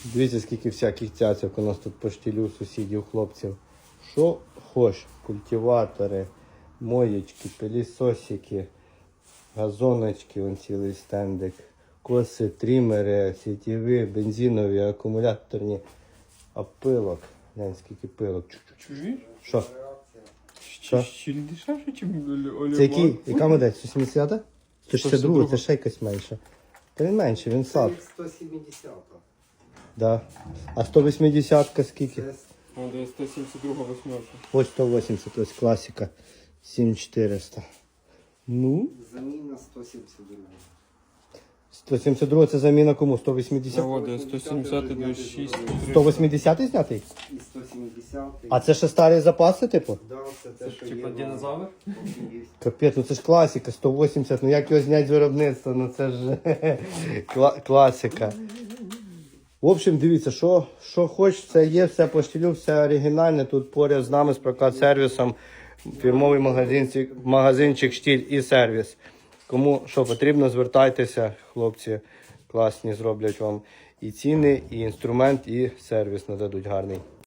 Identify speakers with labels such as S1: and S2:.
S1: Дивіться, скільки всяких цяцьок у нас тут по штилю сусідів, хлопців. Що хоч, культиватори, моєчки, пилісосики, газоночки, вон цілий стендик, коси, трімери, сітєві, бензинові, акумуляторні, а пилок. Глянь, скільки пилок.
S2: Чужі?
S1: Що? Що?
S2: Ще дешевше, ніж Олег.
S1: Це який? Яка модель? 170? 162, це ще якась менша. Та він менше, він сад.
S3: 170.
S1: Да. А 180 скільки?
S3: Це
S2: А, де 172 восьмерка.
S1: Ось 180, ось класика. 7400. Ну,
S3: заміна 172.
S1: 172 це заміна кому? 180?
S2: Заводи 170, 26,
S1: 180 знятий?
S3: І 170.
S1: А це ще старі запаси, типу?
S3: Да, це те, що
S2: типа
S3: є.
S2: динозавр?
S3: Є.
S1: Капець, ну це ж класика, 180, ну як його зняти з виробництва, ну це ж класика. В общем, дивіться, що хоч, це є, все по штилю, все оригінальне, тут поряд з нами з прокат-сервісом, фірмовий магазинчик «Штиль» і сервіс. Кому що потрібно, звертайтеся, хлопці класні зроблять вам і ціни, і інструмент, і сервіс нададуть гарний.